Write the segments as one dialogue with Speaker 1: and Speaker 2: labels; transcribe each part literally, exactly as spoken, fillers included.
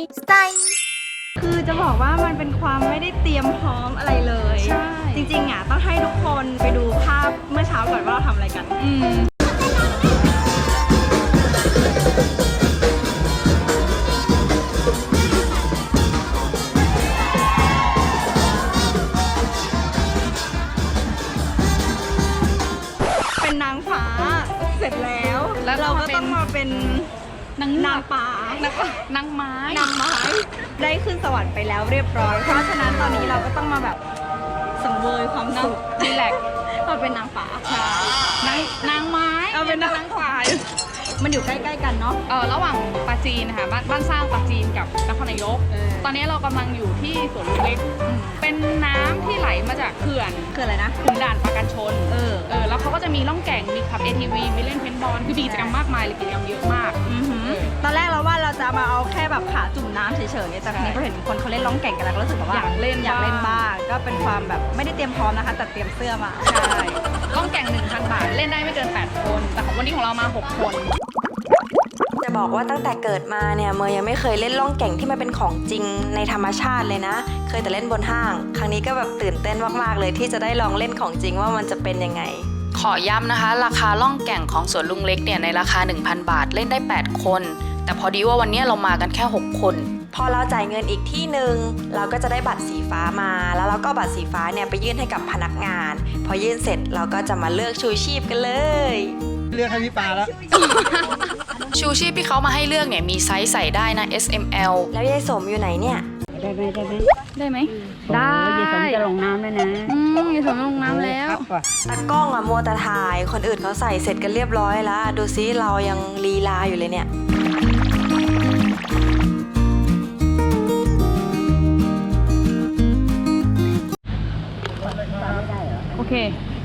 Speaker 1: สไตล์คือจะบอกว่ามันเป็นความไม่ได้เตรียมพร้อมอะไรเลยใช่จริงๆอ่ะต้องให้ทุกคนไปดูภาพเมื่อเช้าก่อนว่าเราทำอะไรกันอืมเป็นนางฟ้าเสร็จแล้วแล้วเราก็ต้องมาเป็นนางนางป่านางไม้นางไม้ได้ขึ้นสวรรค์ไปแล้วเรียบร้อยเพราะฉะนั้นตอนนี้เราก็ต้องมาแบบสังเวยความสุขรีแลกซ์มาเป็นนางป่าใช่นางนางไม้เอาเป็นนางป่ามันอยู่ใกล้ๆกันเนาะ
Speaker 2: เออระหว่างปาจีนนะคะบ้านบ้านสร้างปาจีนกับนครนายกตอนนี้เรากำลังอยู่ที่สวนลุมเล็กเป็นน้ำที่ไหลมาจากเขื่อน
Speaker 1: เขื่อนอะไรนะ
Speaker 2: ขุนด่านปราการชน
Speaker 1: เออ
Speaker 2: เออแล้วเขาก็จะมีล่องแก่งมีขับ เอ ที วี มีเล่นเพนบอลคือมีกิจกรรมมากมายเลยกิจกรรมเยอะมาก
Speaker 1: ตอนแรกเราว่าเราจะมาเอาแค่แบบขาจุ่มน้ำเฉยๆแต่ทีนี้พอเห็นคนเขาเล่นล่องแก่งกันแล้วก็รู้สึกว่า
Speaker 2: อยากเล่น
Speaker 1: อยากเล่นบ้างก็เป็นความแบบไม่ได้เตรียมพร้อมนะคะแต่เตรียมเสื้อมา
Speaker 2: ใช่ล่องแก่ง หนึ่งพัน บาทเล่นได้ไม่เกินแปดคนแต่ของวันนี้ของเรามาหกคน
Speaker 3: จะบอกว่าตั้งแต่เกิดมาเนี่ยเมย์ยังไม่เคยเล่นล่องแก่งที่มันเป็นของจริงในธรรมชาติเลยนะเคยแต่เล่นบนห้างครั้งนี้ก็แบบตื่นเต้นมากๆเลยที่จะได้ลองเล่นของจริงว่ามันจะเป็นยังไง
Speaker 4: ขอย้ำนะคะราคาล่องแก่งของสวนลุงเล็กเนี่ยในราคา หนึ่งพัน บาทเล่นได้แปดคนแต่พอดีว่าวันนี้เรามากันแค่หกคน
Speaker 3: พอเราจ่ายเงินอีกที่หนึ่งเราก็จะได้บัตรสีฟ้ามาแล้วเราก็บัตรสีฟ้าเนี่ยไปยื่นให้กับพนักงานพอยื่นเสร็จเราก็จะมาเลือกชูชีพกันเลย
Speaker 5: เลือกให้พี่ปาแล้ว
Speaker 4: ชูชีพที่เขามาให้เลือกเนี่ยมีไซส์ใส่ได้นะ เอส เอ็ม แอล
Speaker 3: แล้วยายสมอยู่ไหนเนี่ย
Speaker 6: ได้ไหมได้ไหม
Speaker 2: ได้ไหม
Speaker 6: ได้ยายสมจะลงน้ำแล้วนะ
Speaker 2: อืมยายสมลงน้ำแล้ว
Speaker 3: ตากล้องอะมัวแต่ถ่ายคนอื่นเขาใส่เสร็จกันเรียบร้อยแล้วดูซิเรายังลีลาอยู่เลยเนี่ย
Speaker 2: โอเค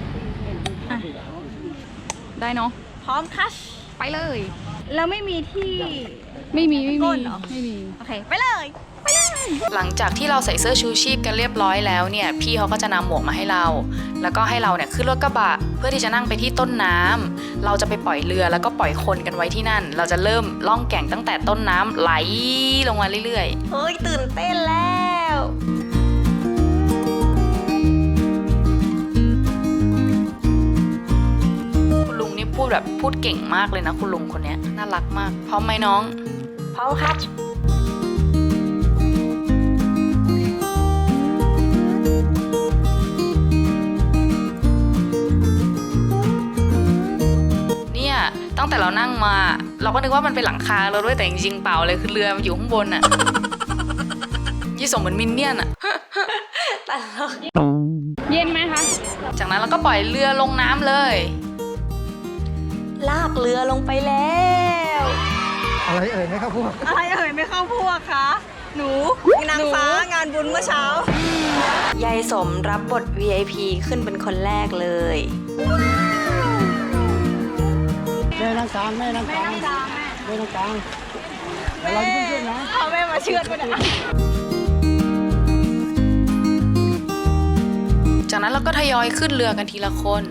Speaker 2: ได้เนาะ
Speaker 1: พร้อมคัช
Speaker 2: ไปเลย
Speaker 1: แล้วไม่มีที่
Speaker 2: ไม่มีไม่มี
Speaker 1: ไม่มีโอเคไปเลยไปเลย
Speaker 4: หลังจากที่เราใส่เสื้อชูชีพกันเรียบร้อยแล้วเนี่ยพี่เขาก็จะนำหมวกมาให้เราแล้วก็ให้เราเนี่ยขึ้นรถกระบะเพื่อที่จะนั่งไปที่ต้นน้ำเราจะไปปล่อยเรือแล้วก็ปล่อยคนกันไว้ที่นั่นเราจะเริ่มล่องแก่งตั้งแต่ต้นน้ำไหลลงมาเรื่อย
Speaker 3: ๆเฮ้ยตื่นเต้นแล้ว
Speaker 4: พูดแบบพูดเก่งมากเลยนะคุณลุงคนนี้น่ารักมากพร้อมไหมน้อง
Speaker 3: พร้อมครับ
Speaker 4: เนี่ยตั้งแต่เรานั่งมาเราก็นึกว่ามันเป็นหลังคาเราด้วยแต่จริงๆเปล่าเลยคือเรือมันอยู่ข้างบนอะยี่สมเหมือนมินเนี่ยนอะ
Speaker 3: ตลก
Speaker 2: เย็นไหมคะ
Speaker 4: จากนั้นเราก็ปล่อยเรือลงน้ำเลย
Speaker 3: ลากเรือลงไปแล้ว
Speaker 5: อะไรเอ่ยไม่เข้าพวก
Speaker 1: อะไรเอ่ยไม่เข้าพวกคะหนูนางฟ้างานบุญเมื่อเช้าย
Speaker 3: ายสมรับบท วี ไอ พี ขึ้นเป็นคนแรกเลย
Speaker 5: แม่นั่งกลางแม่นั่งกลางแม่นั่งกลางแม่เราจะขึ้นนะ
Speaker 1: เอาแม่มาเชือดไปนะ
Speaker 4: จากนั้นเราก็ทยอยขึ้นเรือกันทีละคน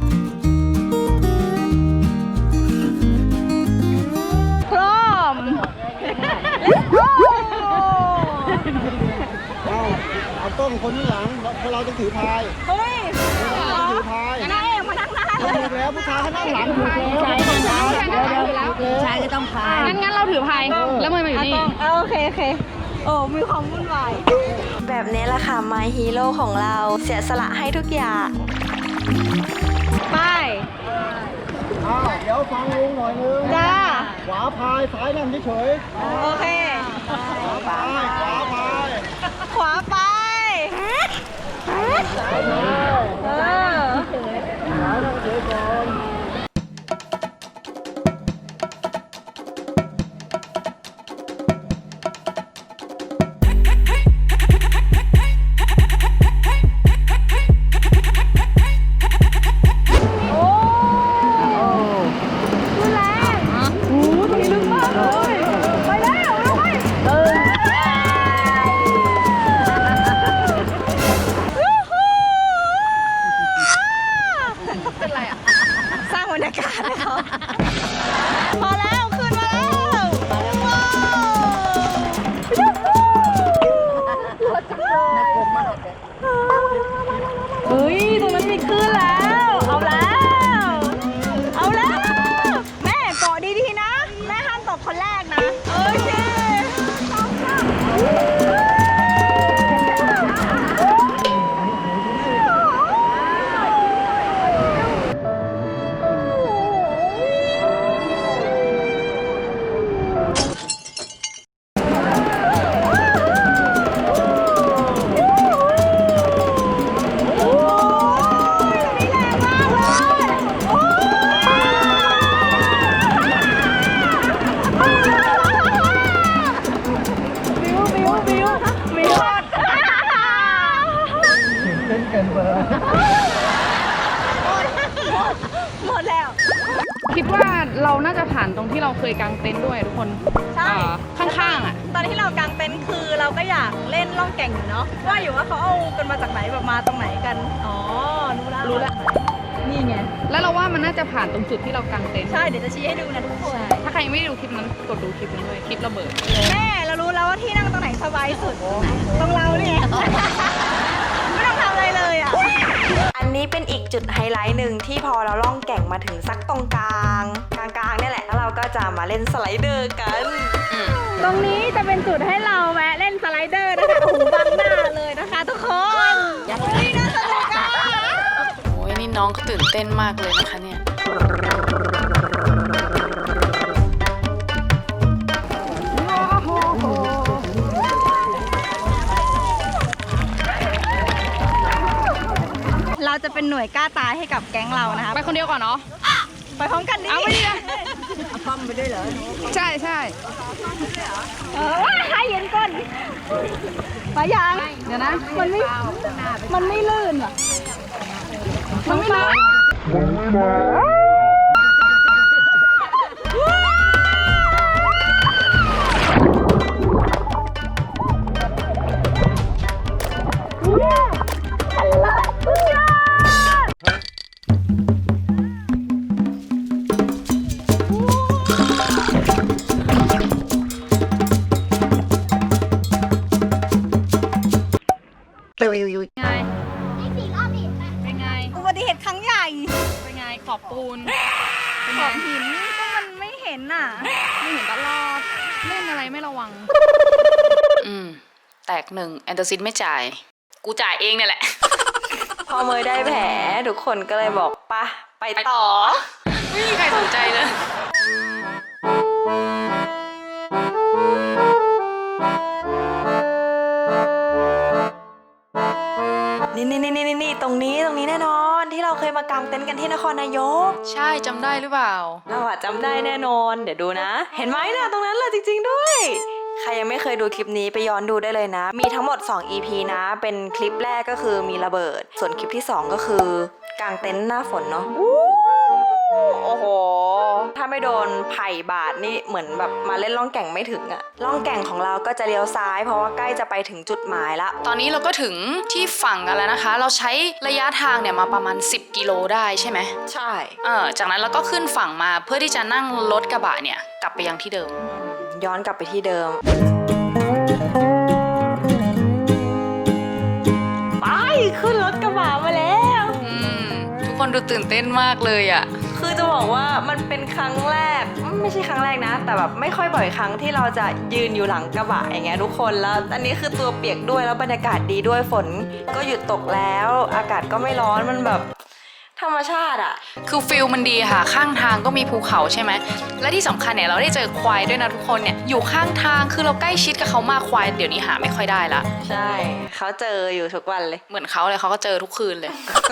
Speaker 5: เอาเอาต้นคนที่หลังเพราะเราจะถือพาย
Speaker 1: เฮ้ย
Speaker 5: เราถือพาย
Speaker 1: นายเอกมานั่งหน้า
Speaker 5: ถูกแล้วผู้ชายเขานั่งหลังถูกแล้ว
Speaker 6: ชายต้องพายชายก็ต้องพาย
Speaker 2: งั้นงั้นเราถือพายแล้วมือมาอยู่นี่
Speaker 1: โอเคโอเคโอ้มีความวุ่นวาย
Speaker 3: แบบนี้แหละค่ะ My Hero ของเราเสียสละให้ทุกอย่าง
Speaker 1: ไป
Speaker 5: อ้าวเดี๋ยวฟังลุงหน่อยนึง
Speaker 1: จ้า
Speaker 5: ขวาพายซ้ายนั่งเฉย
Speaker 1: ๆโอเค
Speaker 5: ขวาพายขวาพาย
Speaker 1: ขวาไปเออ
Speaker 5: ขวานั่งเฉยก่อน
Speaker 1: พอแล้วขึ้นมาแล้วว้าว
Speaker 2: คิดว่าเราน่าจะผ่านตรงที่เราเคยกางเต็นท์ด้วยทุกคน
Speaker 1: ใช่
Speaker 2: เอ่อข้างๆอ่ะ
Speaker 1: ตอนที่เรากางเต็นท์คือเราก็อยากเล่นล่องแก่งอยู่เนาะว่าอยู่ว่าเขาเอากันมาจากไหนแบบมาตรงไหนกันอ๋อรู้แล้ว
Speaker 2: รู้แล้ว
Speaker 1: นี่ไง
Speaker 2: แล้วเราว่ามันน่าจะผ่านตรงจุดที่เรากางเต็นท์
Speaker 1: ใช่เดี๋ยวจะชี้ให้ดูนะทุกคน
Speaker 2: ถ้าใครยังไม่ได้ดูคลิปนั้นกดดูคลิปนั้นด้วยคลิประเบิด
Speaker 1: แม่เรารู้แล้วว่าที่นั่งตรงไหนสบายสุดตรงเราเนี่ย ไม่ต้องทำอะไรเลยอ่ะ
Speaker 3: อันนี้เป็นอีกจุดไฮไลท์หนึ่งที่พอเราล่องแก่งมาถึงสักตรงกลางกลางๆเนี่ยแหละแล้วเราก็จะมาเล่นสไลเดอร์กัน
Speaker 1: ตรงนี้จะเป็นจุดให้เราแวะเล่นสไลเดอร์นะคะโอ้โหบังหน้าเลยนะคะทุกคนนี่น่าสนุกอ่ะ
Speaker 4: โอ้ยนี่น้องก็ตื่นเต้นมากเลยนะคะเนี่ย
Speaker 1: เราจะเป็นหน่วยกล้าตายให้กับแก๊งเรานะคะ
Speaker 2: ไปคนเดียวก่อนเนาะ
Speaker 1: ไปพร้อมกันดิ
Speaker 2: เอาไปดิ
Speaker 1: เอาป้อมไปด้วยเหรอ
Speaker 2: ใช่ใช่
Speaker 1: เออว่าให้เย็นก่อนไปยัง
Speaker 2: เดี๋ยวนะ
Speaker 1: มันไม่ มันไม่ลื่นเหรอ มันไม่ลื่น
Speaker 2: ไงเป็นไง
Speaker 1: อุบัติเหตุครั้งใหญ่
Speaker 2: เป็นไงขอบปูน
Speaker 1: ขอบหินก็มันไม่เห็นน่ะ
Speaker 2: ไม่เห็นตลอดเล่นอะไรไม่ระวัง
Speaker 4: อืม แตกหนึ่งแอนโทซินไม่จ่าย กูจ่ายเองเนี่ยแหละ
Speaker 3: พอเมยได้แผลทุกคนก็เลยบอกปะไปต่อ
Speaker 4: ไม่มีใครสนใจเลย
Speaker 3: นี่นี่นี่นี่นี่ตรงนี้ตรงนี้แน่นอนที่เราเคยมากางเต็นท์กันที่นครนายก
Speaker 4: ใช่จำได้หรือเปล่า
Speaker 3: เราอะจำได้แน่นอน เดี๋ยวดูนะ เห็นไหมนะตรงนั้นเลยจริงๆด้วย ใครยังไม่เคยดูคลิปนี้ไปย้อนดูได้เลยนะ มีทั้งหมดสอง อี พี นะ เป็นคลิปแรกก็คือมีระเบิด ส่วนคลิปที่สองก็คือกางเต็นท์หน้าฝนเนาะโอ้โห ถ้าไม่โดนไผ่บาดนี่เหมือนแบบมาเล่นล่องแก่งไม่ถึงอะล่องแก่งของเราก็จะเลี้ยวซ้ายเพราะว่าใกล้จะไปถึงจุดหมายละ
Speaker 4: ตอนนี้เราก็ถึงที่ฝั่งกันแล้วนะคะ เราใช้ระยะทางเนี่ยมาประมาณสิบกิโลได้ใช่ไหม
Speaker 3: ใช่
Speaker 4: เออจากนั้นเราก็ขึ้นฝั่งมาเพื่อที่จะนั่งรถกระบะเนี่ยกลับไปยังที่เดิม
Speaker 3: ย้อนกลับไปที่เดิม ไปขึ้นรถกระบะมาแล้ว
Speaker 4: อืม ทุกคนดูตื่นเต้นมากเลยอะ่ะ
Speaker 3: คือจะบอกว่ามันเป็นครั้งแรกไม่ใช่ครั้งแรกนะ แต่แบบไม่ค่อยบ่อยครั้งที่เราจะยืนอยู่หลังกระบะอย่างเงี้ยทุกคนแล้วอันนี้คือตัวเปียกด้วยแล้วบรรยากาศดีด้วยฝนก็หยุดตกแล้ว อากาศก็ไม่ร้อนมันแบบธรรมชาติอะ
Speaker 4: คือฟิลมันดีค่ะ ข้างทางก็มีภูเขาใช่ไหม และที่สำคัญเนี่ยเราได้เจอควายด้วยนะทุกคนเนี่ยอยู่ข้างทางคือเราใกล้ชิดกับเขามากควายเดี๋ยวนี้หาไม่ค่อยได้ละ
Speaker 3: ใช่เขาเจออยู่ทุกวันเลย
Speaker 4: เหมือนเขาเลยเขาก็เจอทุกคืนเลย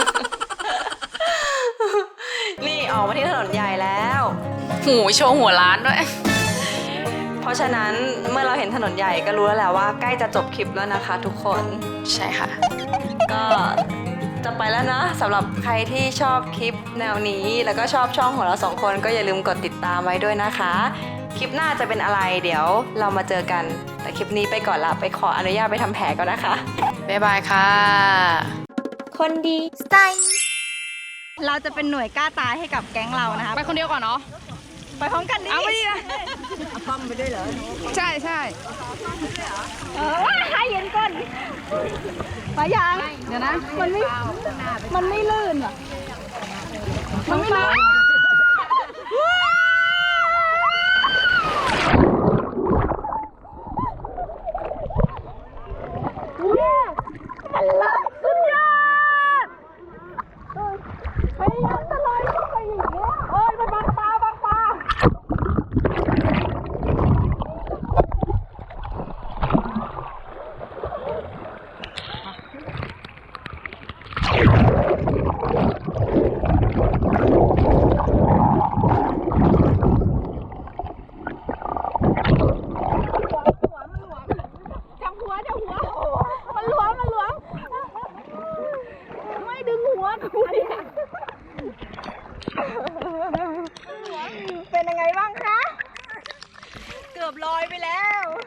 Speaker 3: นี่ออกมาที่ถนนใหญ่แล้ว
Speaker 4: หูโชว์หัวล้านด้วย
Speaker 3: เพราะฉะนั้นเมื่อเราเห็นถนนใหญ่ก็รู้แล้วแหละว่าใกล้จะจบคลิปแล้วนะคะทุกคน
Speaker 4: ใช่ค่ะ
Speaker 3: ก็จะไปแล้วนะสำหรับใครที่ชอบคลิปแนวนี้แล้วก็ชอบช่องของเราสองคนก็อย่าลืมกดติดตามไว้ด้วยนะคะ คลิปหน้าจะเป็นอะไรเดี๋ยวเรามาเจอกันแต่คลิปนี้ไปก่อนละไปขออนุญาตไปทำแผลก่อนนะคะ
Speaker 4: บ๊ายบายค่ะ
Speaker 3: คนดีสไตล์
Speaker 1: เราจะเป็นหน่วยกล้าตายให้กับแก๊งเรานะคะ
Speaker 2: ไปคนเดียวก่อนเนาะ
Speaker 1: ไปพร้อมกันดิ
Speaker 2: เอาไปดิ
Speaker 1: เอาป้อมไปด้วยเหรอ
Speaker 2: ใช่ใช่
Speaker 1: เออว่าให้เย็นก่อนไปยัง
Speaker 2: เดี๋ยวนะ
Speaker 1: มันไม่ มันไม่ลื่นเหรอ มันไม่ลื่นอบลอยไปแล้ว